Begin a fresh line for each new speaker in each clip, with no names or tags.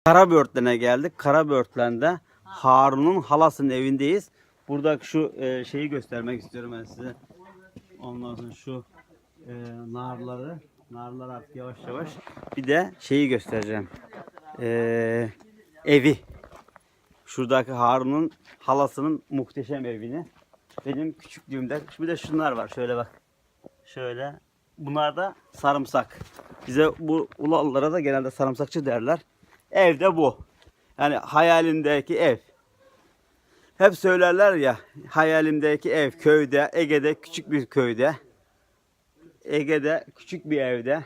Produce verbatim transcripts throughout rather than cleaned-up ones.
Karabörtlen'e geldik. Karabörtlen'de Harun'un halasının evindeyiz. Buradaki şu e, şeyi göstermek istiyorum ben size. Ondan sonra şu e, narları, narlar artık yavaş yavaş. Bir de şeyi göstereceğim. E, evi. Şuradaki Harun'un halasının muhteşem evini. Benim küçüklüğümde. Bir de şunlar var. Şöyle bak. Şöyle. Bunlar da sarımsak. Bize bu Ulalılara da genelde sarımsakçı derler. Ev de bu. Yani hayalimdeki ev. Hep söylerler ya, hayalimdeki ev köyde, Ege'de küçük bir köyde. Ege'de küçük bir evde.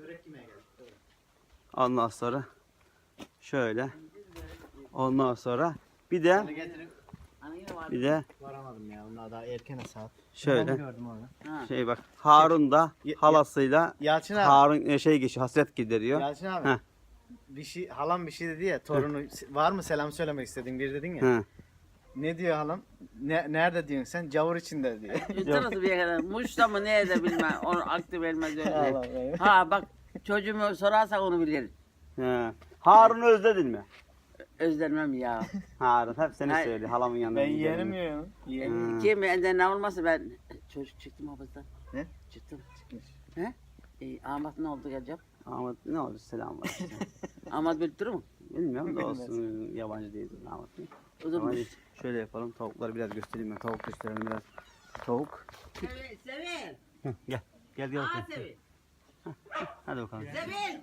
Ondan sonra şöyle. Ondan sonra bir de bir de
varamadım ya. Onlar daha erken saat.
şöyle.
Gördüm onu.
Şey bak, Harun da halasıyla
Yalçın abi.
Harun şey geçiyor, hasret gideriyor.
Yalçın abi.
Heh.
Bir şey halam bir şey dedi ya torunu var mı selam söylemek istediğin bir dedin ya.
Hı.
Ne diyor halam? Ne, nerede diyorsun sen? Cavur içinde diyor.
Nasıl bir kadar? Muş'ta mı ne de bilmem. Onu aklı vermez
Allah
öyle.
Allah.
Ha bak çocuğumu sorarsak onu bilir.
He. Harun'u özledin mi?
Özlemem ya.
Harun hep seni
Hayır.
söylüyor. Halamın yanında.
Ben
gidelim.
yeğenim ya. Yeğenim.
Hı.
Kim benden ne olmasa ben çocuk çıktım hafızdan.
Ne?
Çıktım.
Çıkmış.
He? E, Ahmet ne oldu geleceğim?
Ahmet ne oldu, selam var.
Ahmet bildirir mi?
Bilmiyorum da olsun, yabancı değil Ahmet Bey.
O zaman
Ama şöyle yapalım, tavukları biraz göstereyim ben. Tavuk gösterelim biraz. Tavuk.
Sevil, Sevil.
Hı, gel. Gel gel
Aa
bakalım.
Sevil.
Hadi bakalım.
Sevil.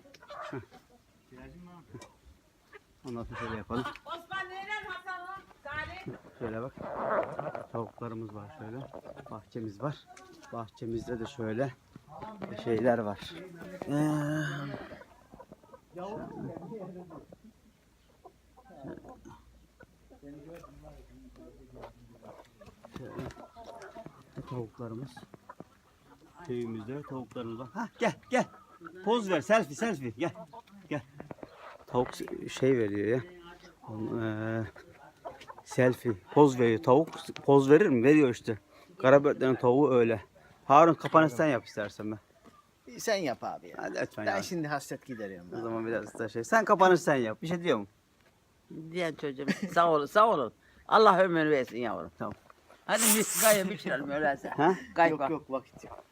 Ondan sonra şöyle yapalım.
Osman neler Hasan'la? Salih.
Şöyle bak. Tavuklarımız var şöyle. Bahçemiz var. Bahçemizde de şöyle şeyler var. Ee, şöyle. Tavuklarımız. Köyümüzde tavuklarımız var. Ha gel gel. Poz ver, selfie selfie gel. Gel. Tavuk şey veriyor ya. Ee, selfie poz veriyor. Tavuk poz verir mi? Veriyor işte. Karabörtlerin tavuğu öyle. Harun kapanış sen yap istersen ben.
Sen yap abi ya.
Hadi lütfen
Ben
ya.
şimdi hasret gideriyorum.
O zaman biraz da şey. Sen kapanış sen yap. Bir şey diyor mu?
Diyen çocuğum sağ olun sağ olun. Allah ömür versin yavrum.
Tamam.
Hadi biz gayet bitirelim öyleyse.
Ha?
Gayet
Yok
bak.
yok vakit yok.